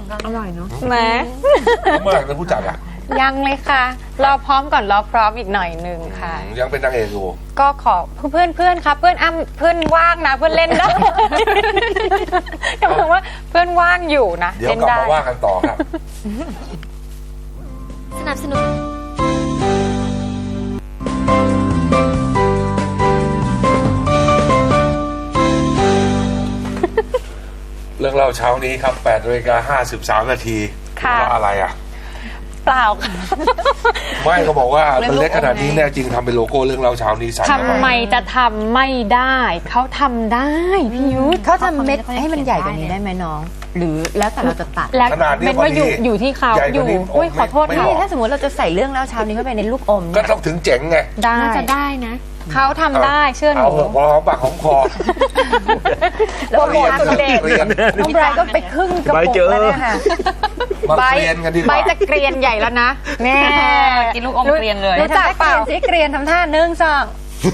อร่อยเนาะแหมเมื่อไหร่เป็นผู้จัดอ่ะยังเลยค่ะรอพร้อมก่อนรอพร้อมอีกหน่อยหนึ่งค่ะยังเป็นนางเอกอยู่ก็ขอเพื่อนครับเพื่อนเพื่อนว่างนะเพื่อนเล่นได้กำลังว่าเพื่อนว่างอยู่นะเดี๋ยวกลับมาว่ากันต่อครับสนับสนุนเรื่องเล่าเช้านี้ครับ8:53 นาทีว่าอะไรอ่ะเปล่าค่ะไม่เขาบอกว่ามันเล็กขนาดนี้แน่จริงทำเป็นโลโก้เรื่องเล่าเช้านี้ใส่ทำไมจะทำไม่ได้เขาทำได้พี่ยุทธเขาทำเม็ดให้มันใหญ่กว่านี้ได้ไหมน้องหรือแล้วแต่เราจะตัดแล้วเป็นว่าอยู่ที่เขาอยู่อุ้ยขอโทษค่ะถ้าสมมติเราจะใส่เรื่องเล่าเช้านี้เข้าไปในลูกอมก็ต้องถึงเจ๋งไงได้จะได้นะเขาทำได้เชื่อหนูเอาพอหอมปากหอมคอแล้วหมดสุดเด็ดน้องไบรท์ก็ไปครึ่งกระปุกแล้วเนี่ยค่ะใบใบจะเกรียนใหญ่แล้วนะแน่กินลูกอมเกรียนเลยรู้จักเปล่าสิเกรียนทำท่า1 2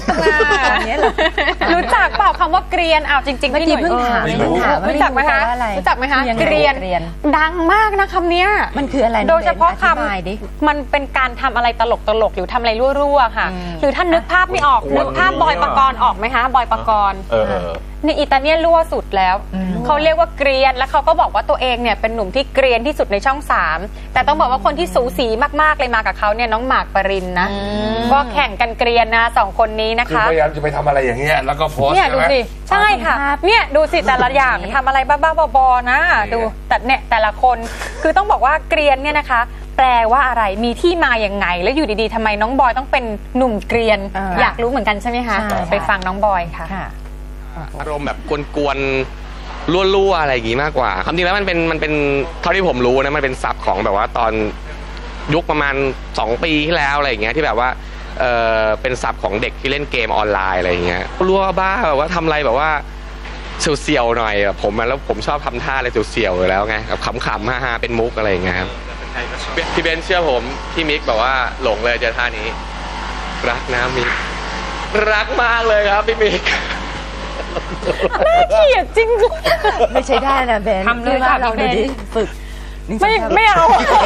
รู้จักเปล่าคำว่าเกรียนอ้าวจริงๆพี่หนุ่ยเพิ่งถามรู้จักไหมคะรู้จักไหมคะเกรียนดังมากนะคำนี้มันคืออะไรโดยเฉพาะคำมันเป็นการทำอะไรตลกหรือทำอะไรรั่วๆค่ะหรือถ้านึกภาพไม่ออกนึกภาพบอยปกรณ์ออกไหมคะบอยปกรณ์ในอิตาเลียนรั่วสุดแล้วเขาเรียกว่าเกรียนแล้วเขาก็บอกว่าตัวเองเนี่ยเป็นหนุ่มที่เกรียนที่สุดในช่อง3แต่ต้องบอกว่าคนที่สูสีมากๆเลยมากับเขาเนี่ยน้องหมากปรินนะก็แข่งกันเกรียนนะ2คนนี้นะคะพยายามจะไปทำอะไรอย่างเงี้ยแล้วก็โพสเนี่ยดูสิใช่ค่ะเนี่ยดูสิแต่ละอย่างทำอะไรบ้าๆบอๆนะดูแต่เนี่ยแต่ละคนคือต้องบอกว่าเกรียนเนี่ยนะคะแปลว่าอะไรมีที่มาอย่างไงแล้วอยู่ดีๆทำไมน้องบอยต้องเป็นหนุ่มเกรียนอยากรู้เหมือนกันใช่ไหมคะไปฟังน้องบอยค่ะอารมณ์แบบกวนๆรั่วๆอะไรอย่างงี้มากกว่าความจริงแล้วมันเป็นเท่าที่ผมรู้นะมันเป็นศัพท์ของแบบว่าตอนยุคประมาณ2 ปีที่แล้วอะไรอย่างเงี้ยที่แบบว่าเป็นศัพท์ของเด็กที่เล่นเกมออนไลน์อะไรอย่างเงี้ยรั่วบ้าแบบว่าทำอะไรแบบว่าเสียวๆหน่อยแบบผมแล้วผมชอบทำท่าอะไรเสียวๆอยู่แล้วไงแบบขำๆฮาๆเป็นมุกอะไรอย่างเงี้ยครับพี่เบนเชื่อผมพี่มิกแบบว่าหลงเลยเจอท่านี้รักนะมิกรักมากเลยครับพี่มิกน่าเกลียดจริงไม่ใช่ได้นะเบนทำเลยค่ะเราดูดิฝึกไม่เอา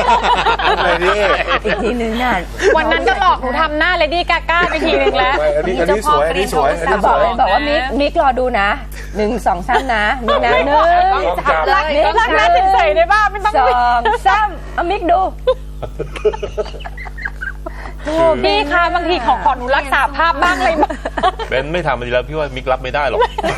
อีกทีนึงน่ะวันนั้นก็หลอกหนูทำหน้าเลดี้กาก้าไปทีนึงแล้วอันนี้สวยบอกว่ามิกรอดูนะ1 2 3นะมิกนะ1 รักหน้าใส่ในบ้านไม่ต้อง 2 3เอามิกดูพี่คะบางทีขอหนูรักษาภาพบ้างเลยเบนไม่ทำมันดีแล้วพี่ว่ามิกรับไม่ได้หรอก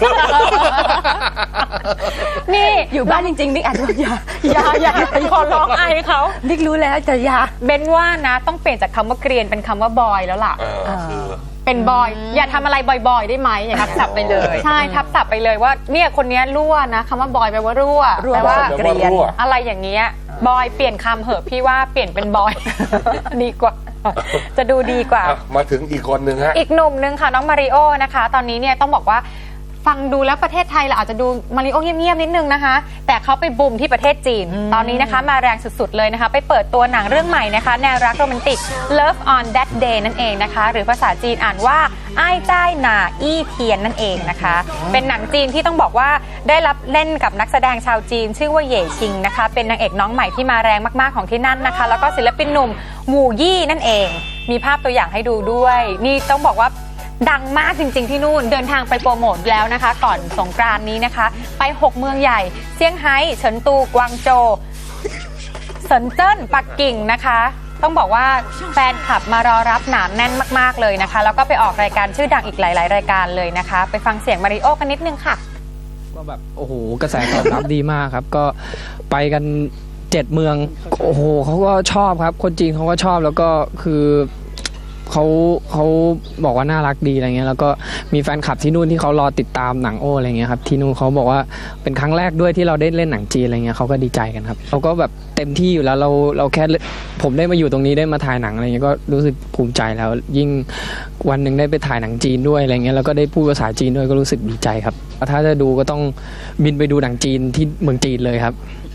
นี่อยู่บ้านจริงๆมิกอาจจะอย่าขอร้องไอเขามิกรู้แล้วแต่อย่าเบนว่านะต้องเปลี่ยนจากคำว่าเกรียนเป็นคำว่าบอยแล้วล่ะเป็นบอยอย่าทำอะไรบ่อยๆได้ไหมอย่างทับศัพท์ไปเลยใช่ทับศัพท์ไปเลยว่าเนี่ยคนนี้รั่วนะคำว่าบอยแปลว่ารั่วแปลว่าเกรียนอะไรอย่างเงี้ยบอยเปลี่ยนคำเหอะพี่ว่าเปลี่ยนเป็นบอยดีกว่าจะดูดีกว่ามาถึงอีกคนนึงฮะอีกหนุ่มนึงค่ะน้องมาริโอนะคะตอนนี้เนี่ยต้องบอกว่าฟังดูแล้วประเทศไทยเราอาจจะดูมาริโอเงียบๆนิดนึงนะคะแต่เขาไปบูมที่ประเทศจีนตอนนี้นะคะมาแรงสุดๆเลยนะคะไปเปิดตัวหนังเรื่องใหม่นะคะแนวรักโรแมนติก Love on That Day นั่นเองนะคะหรือภาษาจีนอ่านว่าอ้ายจ้ายหนาอี้เทียนนั่นเองนะคะเป็นหนังจีนที่ต้องบอกว่าได้รับเล่นกับนักแสดงชาวจีนชื่อว่าเหย่ชิงนะคะเป็นนางเอกน้องใหม่ที่มาแรงมากๆของที่นั่นนะคะแล้วก็ศิลปินหนุ่มหมู่ยี่นั่นเองมีภาพตัวอย่างให้ดูด้วยนี่ต้องบอกว่าดังมากจริงๆที่นู่นเดินทางไปโปรโมทแล้วนะคะก่อนสงกรานต์นี้นะคะไป6เมืองใหญ่เซี่ยงไฮ้เฉินตูกวางโจวเซินเจิ้นปักกิ่งนะคะต้องบอกว่าแฟนคลับมารอรับหนาแน่นมากๆเลยนะคะแล้วก็ไปออกรายการชื่อดังอีกหลายๆรายการเลยนะคะไปฟังเสียงมาริโอกันนิดนึงค่ะก็แบบโอ้โหกระแสตอบรับดีมากครับก็ไปกัน7 เมืองโอ้โหเขาก็ชอบครับคนจีนเขาก็ชอบแล้วก็คือเขาบอกว่าน่ารักดีอะไรเงี้ยแล้วก็มีแฟนคลับที่นู่นที่เขารอติดตามหนังโออะไรเงี้ยครับที่นู่นเขาบอกว่าเป็นครั้งแรกด้วยที่เราได้เล่นหนังจีนอะไรเงี้ยเขาก็ดีใจกันครับเราก็แบบเต็มที่อยู่แล้วเราแค่ผมได้มาอยู่ตรงนี้ได้มาถ่ายหนังอะไรเงี้ยก็รู้สึกภูมิใจแล้วยิ่งวันหนึ่งได้ไปถ่ายหนังจีนด้วยอะไรเงี้ยแล้วก็ได้พูดภาษาจีนด้วยก็รู้สึกดีใจครับถ้าจะดูก็ต้องบินไปดูหนังจีนที่เมืองจีนเลยครับ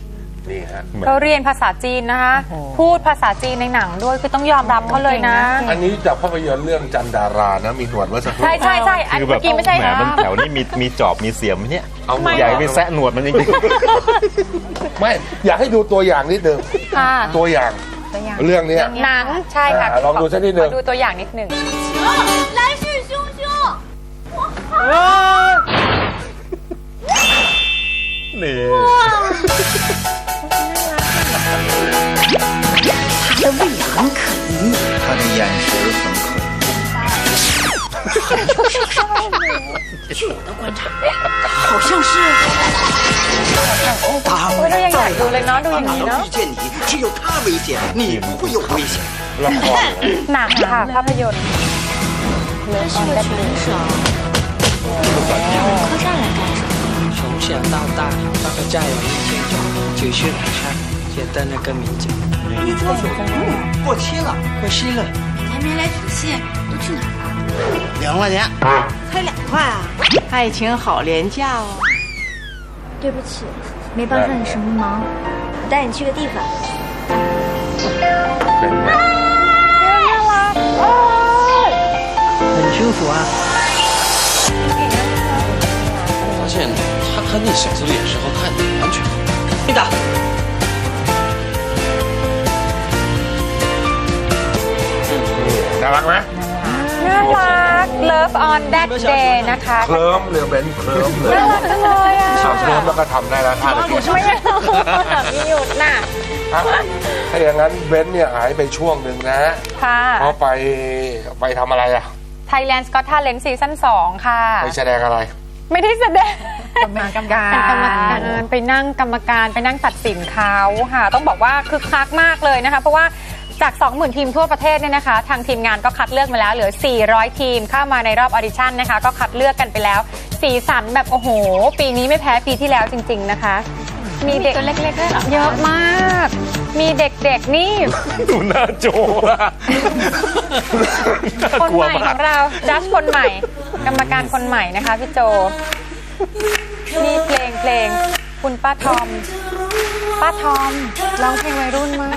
นี่ฮะเขาเรียนภาษาจีนนะคะ พูดภาษาจีนในหนังด้วยคือต้องยอมรับเขาเลยนะอันนี้จากภาพยนตร์เรื่องจันดารานะมีหนวดเมื่อสักครู่ใช่ใช่ใช่อันคือแบเมื่บอกี้ไม่ใช่แหมมันแถวนี้มีจอบมีเสียมเนี่ยเอาใหญ่ไปแซะหนวดมันจริงไม่อยากให้ดูตัวอย่างนิดนึงค่ะตัวอย่างเรื่องเนี้ยหนังใช่ค่ะลองดูสักนิดนึงขอดูตัวอย่างนิดหนึ่ง来势汹汹。 ๆนี่他的胃很可疑， 他的眼神很可疑。 据我的观察，好像是。 当โอ้ยเรายังอยากดูเลยเนาะดูอย่าง哪นี้能เนาะ遇见你，只有他危险，你不会有危险。 ละครหนังค่ะภาพยนตร์他是个拳手，客栈来干什么？ 从小到大，大概在我1天中只是晚上觉得那个名字一桌酒过期了， 过期了。 还没来取信，都去哪儿了？ 2块钱。 才2块啊！ 爱情好廉价哦。 对不起，没帮上你什么忙，我带你去个地方。 เป็นไง很舒服啊。 发现他看那小子脸时候看你完全。你打。 น่ารักไหมน่ารัก Love on that day นะคะเคลิ้มเลยเบนเคลิ้มเลยน่ารักจังเลยอ่ะสาวเคลิ้มแล้วก็ทำได้แล้วท่าตะกี้ไม่เอาไม่หยุดน่ะอ่ะถ้าอย่างนั้นเบนเนี่ยหายไปช่วงหนึ่งนะค่ะเพราะไปทำอะไรอ่ะ Thailand Got Talent ซีซั่น2ค่ะไปแสดงอะไรไม่ได้แสดงเป็นกรรมการเป็นกรรมการไปนั่งกรรมการไปนั่งตัดสินเขาค่ะ ต้องบอกว่าคึกคักมากเลยนะคะ เพราะว่าจาก 20,000 ทีมทั่วประเทศเนี่ยนะคะ ทางทีมงานก็คัดเลือกมาแล้วเหลือ 400 ทีมเข้ามาในรอบออดิชั่นนะคะ ก็คัดเลือกกันไปแล้ว สีสันแบบโอ้โห ปีนี้ไม่แพ้ปีที่แล้วจริง ๆนะคะ มีเด็กตัวเล็กๆด้วยเหรอเยอะมาก มีเด็กๆนี่ดูหน้าโจอะน่าคนกลัวใหม่ขมาอก งเราจัดคนใหม่ กรรมการคนใหม่นะคะพี่โจนี่เพลงคุณป้าทอมร้องเพลงวัยรุ่นมาก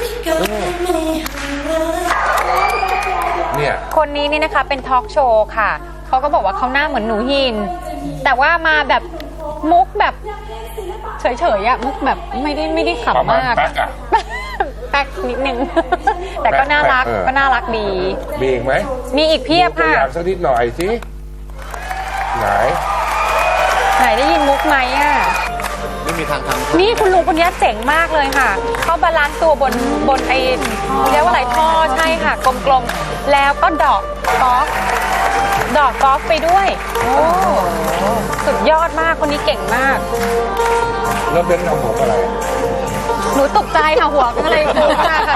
เนี่ยคนนี้นี่นะคะเป็นทอล์กโชว์ค่ะเขาก็บอกว่าเขาหน้าเหมือนหนูหิน แต่ว่ามาแบบมุกแบบเฉยๆอะมุกแบบไม่ได้ประขำมาณมากแป๊กอ่ะแป๊กนิดนึง แต่ก็น่ารักแป๊กก็น่ารักดีมีอีกไหมมีอีกเพียบตัวค่ะอย่างสักนิดหน่อยสิไหนไหนได้ยินมุกไหมอะไม่มีทางทำนี่คุณลุงคนนี้เจ๋งมากเลยค่ะ เขาบาลานซ์ตัวบนไอ้เรียกว่าอะไรท่อใช่ค่ะ กลมๆ แล้วก็ดอกกอล์ฟไปด้วย โอ้สุดยอดมากคนนี้เก่งมากแล้วเบนทำผมอะไรหนูตกใจค่ะหัวก็เลยฟูมากค่ะ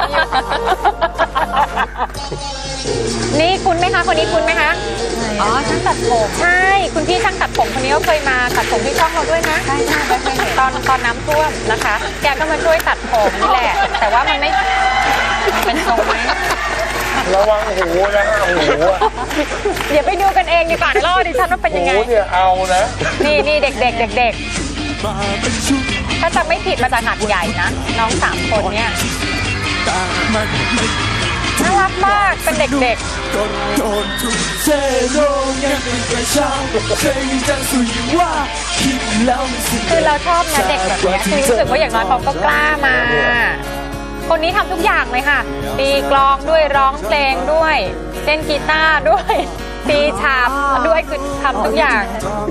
นี่คุณไหมคะคนนี้คุณไหมคะอ๋อช่างตัดผมใช่คุณพี่ช่างตัดผมคนนี้ก็เคยมาตัดผมที่ช่องเราด้วยนะใช่เคยเห็นตอนน้ำท่วมนะคะ แกก็มาช่วยตัดผมนี่แหละ แต่ว่ามันไม่เป็นทรงไหมระวังหูนะหูอะเดี๋ยวไปดูกันเองดีกว่าเล่าดิฉันว่าเป็นยังไงหูเนี่ยเอานะนี่เด็กถ้าจำไม่ผิดมาจากหาดใหญ่นะน้อง3 คนเนี่ยน่ารักมากเป็นเด็กคือเราชอบนะเด็กแบบนี้คือรู้สึกว่าอย่างน้อยเขาก็กล้ามา คนนี้ทำทุกอย่างเลยค่ะตีกลองด้วยร้องเพลงด้วยเล่นกีตาร์ด้วยตีฉาบด้วยคือทำทุกอย่าง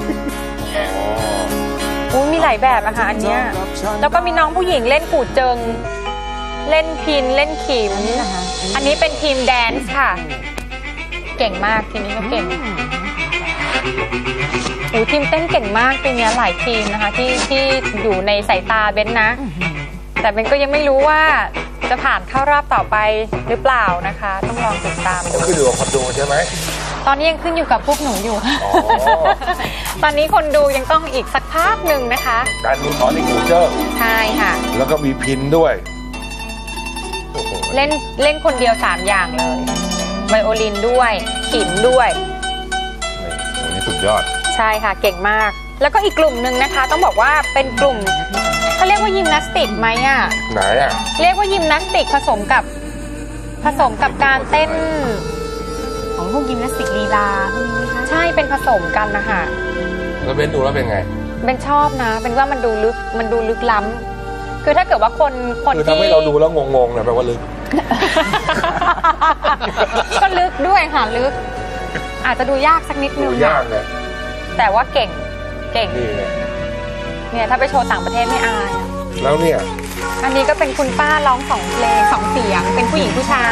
มีหลายแบบอะค่ะอันเนี้ยแล้วก็มีน้องผู้หญิงเล่นกู่เจิงเล่นพินเล่นขิมอันนี้เป็นทีมแดนซ์ค่ะเก่งมากทีนี้ก็เก่งทีมเต้นเก่งมากทีนี้หลายทีมนะคะที่อยู่ในสายตาเบนนะแต่เบนก็ยังไม่รู้ว่าจะผ่านเข้ารอบต่อไปหรือเปล่านะคะต้องลองติดตามดูขึ้นอยู่กับคนดูใช่ไหมตอนนี้ยังขึ้นอยู่กับพวกหนูอยู่อ๋อตอนนี้คนดูยังต้องอีกสักพักหนึ่งนะคะการมีขอที่กูเจอร์ใช่ค่ะแล้วก็มีพินด้วยเล่นคนเดียว3 อย่างเลยไวโอลินด้วยขิมด้วยนี่สุดยอดใช่ค่ะเก่งมาก แล้วก็อีกกลุ่มหนึ่งนะคะ ต้องบอกว่าเป็นกลุ่มเขาเรียกว่ายิมนาสติกไหมอ่ะไหนอ่ะเรียกว่ายิมนาสติกผสมกับการเต้นของพวกยิมนาสติกลีลาพวกนี้ไหมคะใช่เป็นผสมกันนะคะแล้วเบนดูแล้วเป็นไงเป็นชอบนะเป็นว่ามันดูลึกล้ำคือถ้าเกิดว่าคนคือที่ทำให้เราดูแล้วงงๆนะแปลว่าลึกก็ลึกด้วยค่ะลึก อาจจะดูยากสักนิดนึดูงยากเลยแต่ว่าเก่งนี่ไงเนี่ยถ้าไปโชว์ต่างประเทศไม่อายอะแล้วเนี่ยอันนี้ก็เป็นคุณป้าร้อง2 เพลง 2 เสียงเป็นผู้หญิงผู้ชาย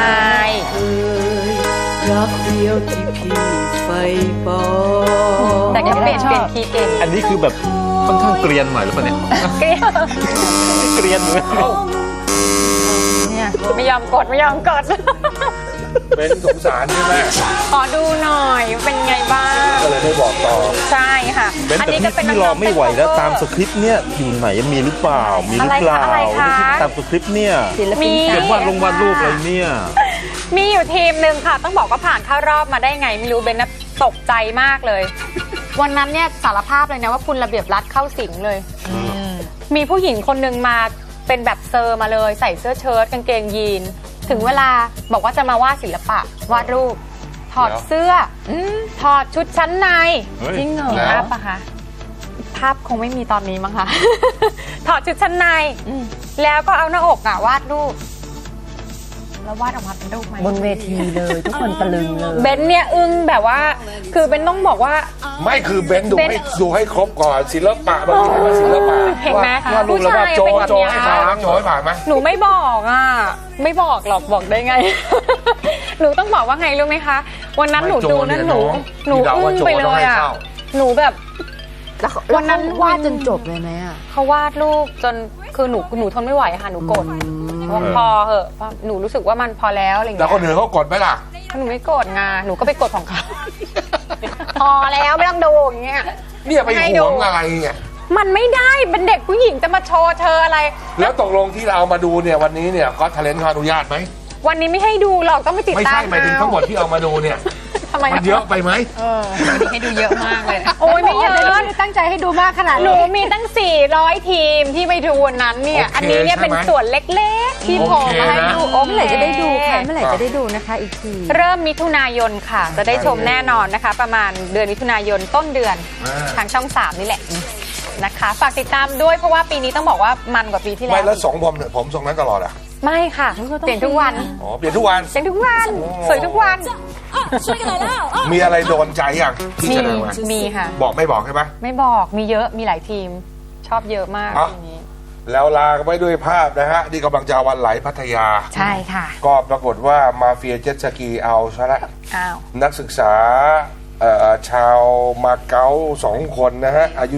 รักเดียวที่พี่ไฟปอแต่ก็เปลี่ยนคีย์เก่งอันนี้คือแบบค่อนข้างเกรียนหน่อยหรือเปล่าเนี่ย เกรียนเลยเนี่ยไม่ยอมกดเป็นสงสารใช่ไหมขอดูหน่อยเป็นไงบ้างก็เลยไม่บอกต่อใช่ค่ะเป็นอันแต่นี้ก็เป็นพี่รอไม่ไหวแล้วน้องๆตามสคริปต์เนี่ยอยู่ไหนมีหรือเปล่ามีหรือเปล่าอะไรคะตามสคริปต์เนี่ยมีเขียนวาดรูปอะไรเนี่ยมีอยู่ทีมหนึ่งค่ะ ต้องบอกว่าผ่านเข้ารอบมาได้ไงไม่รู้เบนน่ะตกใจมากเลย วันนั้นเนี่ยสารภาพเลยนะว่าคุณระเบียบรัฐเข้าสิงเลย มีผู้หญิงคนหนึ่งมาเป็นแบบเซอร์มาเลยใส่เสื้อเชิ้ตกางเกงยีนถึงเวลาบอกว่าจะมาวาดศิลปะวาดรูป ถอดเสื้อถอดชุดชั้นในจริงเหรอภาพปะคะภาพคงไม่มีตอนนี้มั้งคะ ถอดชุดชั้นในแล้วก็เอาหน้าอกอะวาดรูปแล้ววาดออกมาเป็นรูปไหมบนเวทีเลยทุกคนตะลึงเลยเบนเนี่ยอึ้งแบบว่าคือเบนต้องบอกว่าไม่คือเบนดูให้ครบก่อนศิลปะมันคือว่าศิลปะเห็นไหมว่ารูปแล้วว่าโจผู้ชายเป็นแบบโจเนี้ยให้ผ่านโจให้ผ่านไหมหนูไม่บอกอ่ะไม่บอกหรอกบอกได้ไง หนูต้องบอกว่าไงรู้ไหมคะวันนั้นหนูดูนั่นหนูอึ้งไปเลยอ่ะหนูแบบวันนั้นวาดจนจบเลยไหมอ่ะเขาวาดรูปจนคือหนูทนไม่ไหวค่ะหนูกดว่าพอเหอะหนูรู้สึกว่ามันพอแล้วอะไรอย่างแล้วเงี้ยคนอื่นเขากดไหมล่ะหนูไม่กดไงหนูก็ไปกดของเขา พอแล้วไม่ต้องดูอย่างเงี้ยเนี่ยไปหวงอะไรเนี่ยมันไม่ได้เป็นเด็กผู้หญิงจะมาโชว์เธออะไรแล้วตกลงที่เราเอามาดูเนี่ยวันนี้เนี่ยก็ทะเลนเขาอนุญาตไหมวันนี้ไม่ให้ดูหรอกต้องไปติดไม่ตาใช่มหมายถึงทั้งหมดที่เอามาดูเนี่ยทำไมมันเยอะไปไหมให้ดูเยอะมากเลยโอ้ยไม่เยอะตั้งใจให้ดูมากขนาดหนูมีตั้ง400 ทีมที่ไปดูวันนั้นเนี่ยโอเคอันนี้เนี่ยเป็นส่วนเล็กๆที่โผล่มาให้ดูโอ้เมื่อไหร่จะได้ดูคะเมื่อไหร่จะได้ดูนะคะอีกทีเริ่มมิถุนายนค่ะ จะได้ชมแน่นอนนะคะ ประมาณเดือนมิถุนายนต้นเดือนทางช่อง 3 นี่แหละนะคะฝากติดตามด้วยเพราะว่าปีนี้ต้องบอกว่ามันกว่าปีที่แล้วไม่แล้วผมทรงนั้นตลอดอ่ะไม่ค่ะเปลี่ยนทุกวันอ๋อเปลี่ยนทุกวันเปลี่ยนทุกวันสวยทุกวันมีอะไรโดนใจอย่างที่มีจะเดินมามีค่ะบอกไม่บอกใช่ไหมไม่บอกมีเยอะมีหลายทีมชอบเยอะมากอ่ะทีนี้แล้วลากันไปด้วยภาพนะฮะนี่กำลังจะวันไหลพัทยาใช่ค่ะก็ปรากฏว่ามาเฟียเจ็ตสกีเอาซะละอ้าวนักศึกษาชาวมาเก๊า2 คนนะฮะอายุ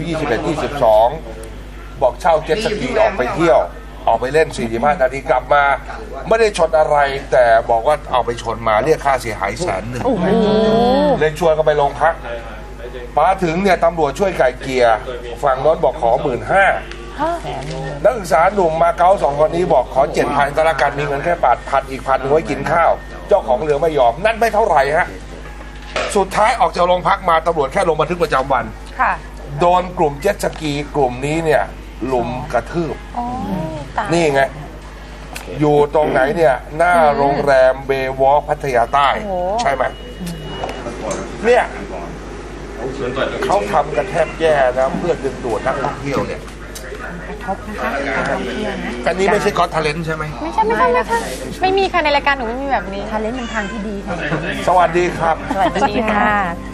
21-22 บอกเช่าเจ็ตสกีออกไปเที่ยว ออกไปเล่น 45 นาทีกลับมา ไม่ได้ชนอะไร แต่บอกว่าเอาไปชนมาเรียกค่าเสียหาย100,000เลยชวนกันไปโรงพักมาถึงเนี่ยตำรวจช่วยไกล่เกลี่ยฝั่งโน้นบอกขอ 15,000นักศึกษาหนุ่มมาเก๊า2 คนนี้บอกขอ 7,000 ก็แล้วกันมีเงินแค่8,000อีก1,000ไว้กินข้าว เจ้าของเรือไม่ยอมนั่นไม่เท่าไหร่ฮะสุดท้ายออกจากโรงพักมาตำรวจแค่ลงบันทึกประจำวันค่ะโดนกลุ่มเจ็ตสกีกลุ่มนี้เนี่ยลุมกระทืบโอ้ตายนี่ไง อยู่ตรงไหนเนี่ย หน้าโรงแรมเบย์วอล์กพัทยาใต้ ใช่ไหมเนี่ยเขาทำกันแทบแย่นะเพื่อดึงดูดนักท่องเที่ยวเนี่ยกระทบนะคะการท่องเที่ยวนะแต่นี้ไม่ใช่ก็อตทาเลนต์ใช่ไหมไม่ใช่ไม่มีค่ะในรายการหนูไม่มีแบบนี้ทาเลนต์เป็นทางที่ดีค่ะสวัสดีครับสวัสดีค่ะ